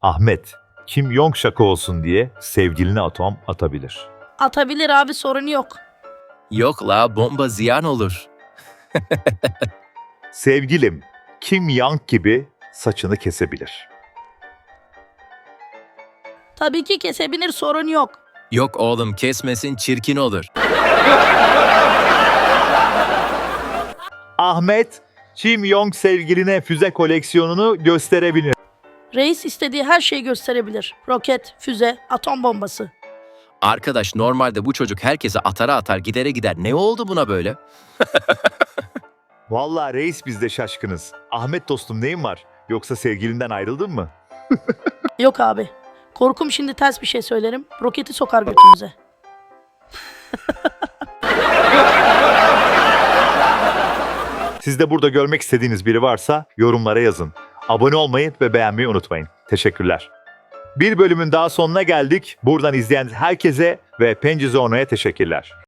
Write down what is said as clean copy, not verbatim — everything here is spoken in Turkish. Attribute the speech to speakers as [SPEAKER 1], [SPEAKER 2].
[SPEAKER 1] Ahmet, Kim Jong şaka olsun diye sevgiline atom atabilir.
[SPEAKER 2] Atabilir abi, sorun yok.
[SPEAKER 3] Yok la, bomba ziyan olur.
[SPEAKER 1] Sevgilim, Kim Yang gibi saçını kesebilir.
[SPEAKER 2] Tabii ki kesebilir, sorun yok.
[SPEAKER 3] Yok oğlum, kesmesin, çirkin olur.
[SPEAKER 1] Ahmet, Kim Jong sevgiline füze koleksiyonunu gösterebilir.
[SPEAKER 2] Reis istediği her şeyi gösterebilir. Roket, füze, atom bombası.
[SPEAKER 3] Arkadaş, normalde bu çocuk herkese atara atar, gidere gider. Ne oldu buna böyle?
[SPEAKER 1] Vallahi reis biz de şaşkınız. Ahmet dostum neyin var? Yoksa sevgilinden ayrıldın mı?
[SPEAKER 2] Yok abi. Korkum şimdi ters bir şey söylerim. Roketi sokar götümüze.
[SPEAKER 1] Siz de burada görmek istediğiniz biri varsa yorumlara yazın. Abone olmayı ve beğenmeyi unutmayın. Teşekkürler. Bir bölümün daha sonuna geldik. Buradan izleyen herkese ve Penci Zona'ya teşekkürler.